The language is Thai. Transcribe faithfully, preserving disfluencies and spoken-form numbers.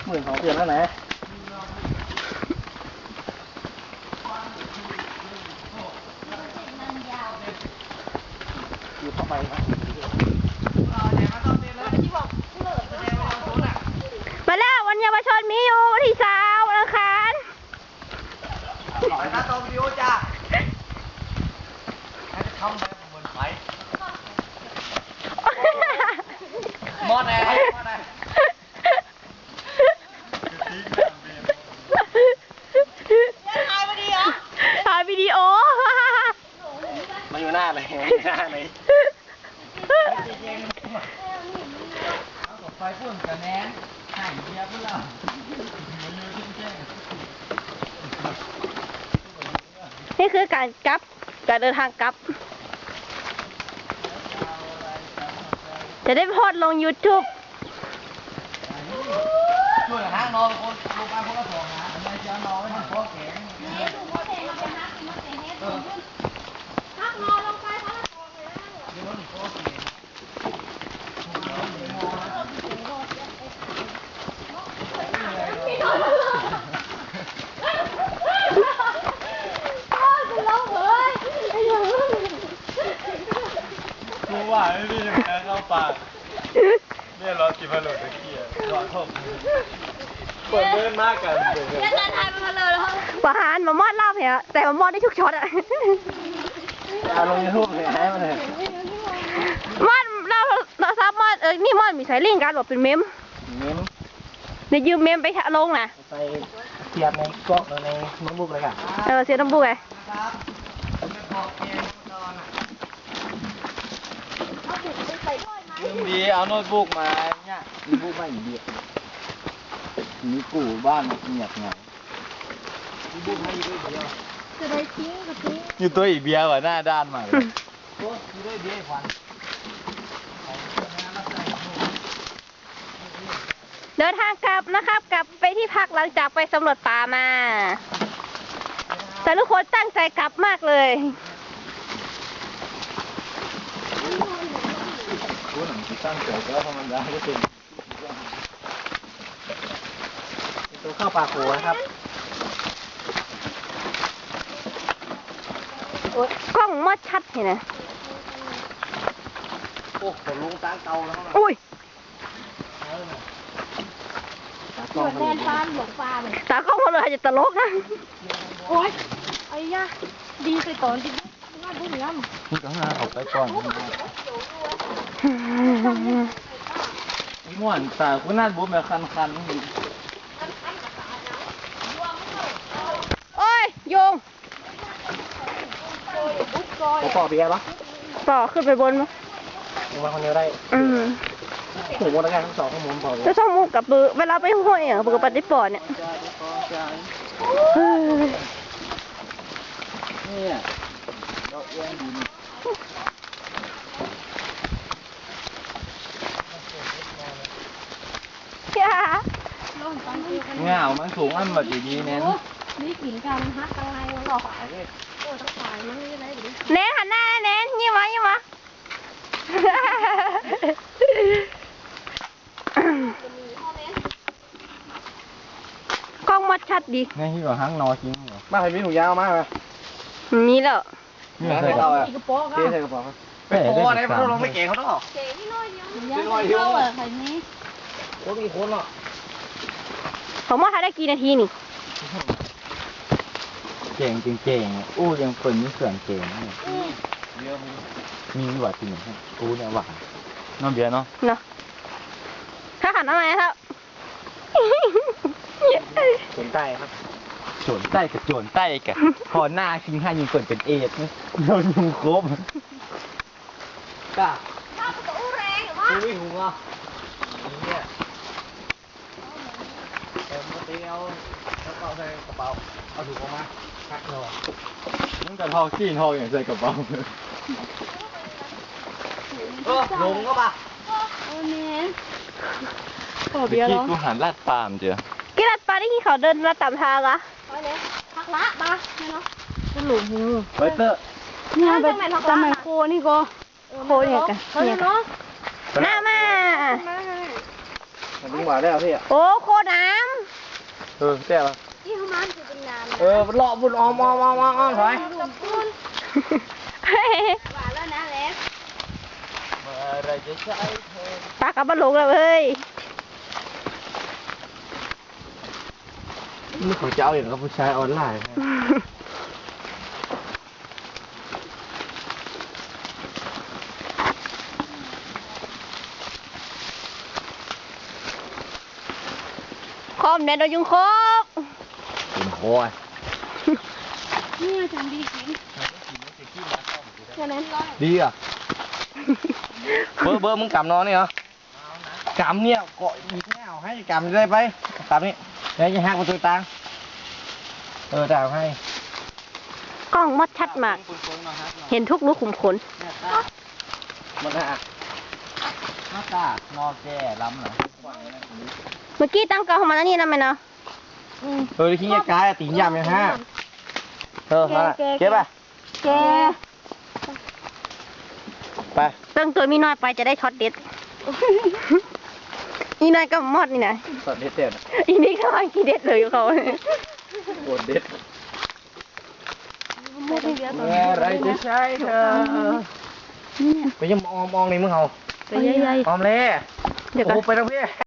หมื่นสองเดือนแล้วนะอยู่เข้าไปนะมาแล้ววันเยาวชนมีอยู่วันที่สามวันอังคารขอให้หน้าตาวิดีโอจ้าให้จะเข้าไปบนไฟมอดแน่มอดแน่ถ่ายวิดีโอถ่ายวิดีโอมาอยู่หน้าเลยหน้าเลยไฟพุ่นกับแนนหายเดียบแล้วนี่คือการกลับการเดินทางกลับจะได้โพสต์ลง ยูทูบช่วยห้างนอนคนลงไปคนละสองนะไม่จะนอนไม่ทำโป๊ะแข็งฮักนอนลงไปคนละสองเลยเดี๋ยวมันโป๊ะแข็งกูว่าไม่มีอย่างนั้นเข้าปากเนี่ยรอกินพะโล้ตะเกียบรอทบเปิดเดินมากกันเดี๋ยวจะถ่ายมาเลยเหรอประหารมามอดลาบเหรอแต่มามอดได้ทุกช็อตอะเอาลงยูทูบเลยให้มันเลยมอดเราเราซับมอดเออนี่มอดมีสายลิงก์การบอกเป็นเมมเมมเดี๋ยวยืมเมมไปลงนะไปเทียบในกล้องในโน้ตบุ๊กเลยค่ะเออเสียน้ำบุ๊กไงดีเอาโน้ตบุ๊กมาเนี่ยโน้ตบุ๊กมาอีกเดียวมีกูบ้านเงียบไงโน้ตบุ๊กมาอีกเดียวจะได้ทิ้งก็ทิ้งอยู่ตัวอีกเบียร์ว่ะหน้าด้านมากเลยโอ้อยู่ด้วยเบียร์ควันเดินทางกลับนะครับกลับไปที่พักหลังจากไปสำรวจป่ามาแต่ทุกคนตั้งใจกลับมากเลยรู้หนังที่ตั้งใจก็ธรรมดาก็เป็นตัวข้าวปลาโขนะครับกล้องมอดชัดเห็นไหมโอ้ขนลุงตั้งเตาแล้วอุ้ยเหมือนแดนฟ้าหลงฟ้าเลยตากล้องมาเลยจะตลกนะโอ้ยไอ้ย่าดีไปก่อนดิง่ายบุ้งยำนี่ก็ง่ายออกไปก่อนม่วนตาคุณน่าบุ้มแบบคันๆโอ้ยโยงผมปอกเบียร์ปะต่อขึ้นไปบนมั้ยมาคนเดียวได้อืมผมว่าได้ทั้งสองข้อมูลพอจะต้องมุกกับปือเวลาไปห้วยอ่ะปือกับปฏิปอดเนี่ยเนี่ยเราเอียงดินเงามันสูงอันแบบดีๆเน้นนี่กินกันฮักกันไงมันหลอกขายเลยโอ้ต้องขายมันไม่ได้หรือเน้นหันหน้าเน้นยิ้มวะยิ้มวะกล้องมัดชัดดีนี่ที่ว่าห้างนอจริงเหรอมาให้มีถุงยาวมากไหมมีแล้วนี่ใส่กระเป๋าอ่ะกระเป๋าก็ใส่กระเป๋าเป็นโป้อะไรมันต้องลงไม่เก่งเขาต้องเก่งนี่น้อยเดียวนี่น้อยเดียวเหรอใครนี้โอ้มีคนหรอผมว่าถ้าได้กี่นาทีนี่เก่งจริงเก่งอู้ยังคนมีเสื่อมเก่งเนี่ยมีหวานจริงเหรออู้เนี่ยหวานน้องเบียร์เนาะเนาะถ้าหันอะไรครับโจนใต้ครับโจนใต้กับโจนใต้กับพอหน้าชิงห้ายิงเปิดเป็นเอดเนี่ยโดนยุงครบก้าข้าวตัวอู้แรงหรือวะไม่หูอ่ะเนี่ยเติมมาตีเอาแล้วก็ใส่กระเป๋าเอาถุงออกมาคัดนอนนั่งแต่ทองขี้ทองอย่างใส่กระเป๋าเออลงก็ป่ะโอ้เน้นโอ้เบียร์เนาะกูหันลาดปามเจ้ากี่ลาดปาได้กี่เขาเดินมาตามทางอะไปเลยพักละมาเนี่ยเนาะหลุมหูไปเตอร์เนี่ยไปจำมันโคนี่ก็โคเนี่ยกันเนี่ยเนาะหน้ามามันดึงมาแล้วพี่อ่ะโอ้โคน้เออแต่ละที่เขามันจะเป็นน้ำเออเลาะบุญออมอมอมอมอมถอยกับปุ้นำหวานแล้วนะเล็กเมื่อไรจะใช้เธอปลากลับมาลงแล้วเว้ยนี่เขาจะเอาอย่างกับผู้ชายออนไลน์นะคอมเด็ดเรายุงครบเป็นโอยนี่จังดีจริงแค่นั้นดีอ่ะเบอร์เบอร์มึงกำนอนนี่เหรอกำเนี่ยเกาะอีกแนวให้กำได้ไปกำนี่เดี๋ยวจะหักประตูตังเออดาวให้กล้องมดชัดมาก เห็นทุกลูกขุมขนมันอ่ะหน้าตานอแก่ล้ำเหรอเมื่อกี้ตั้งกล้องของมันแล้วนี่แล้วไหมเนาะเออขี้เกียจกายตีนยำยังฮะเออมาเก็บไปแกไปตั้งตัวมีน้อยไปจะได้ช็อตเด็ด อีน้อยก็มอดนี่นะสดเด็ดเด็ดอีนี่ก็มากี่เด็ดเลยเขาโคตรเด็ดหมดเดียวต่อเมื่อไรจะใช้เธอไปยังมองมองนี่มึงเอาไปเยอะออมเล่ๆเดี๋ยวก่อนโอ้ไปทางพี่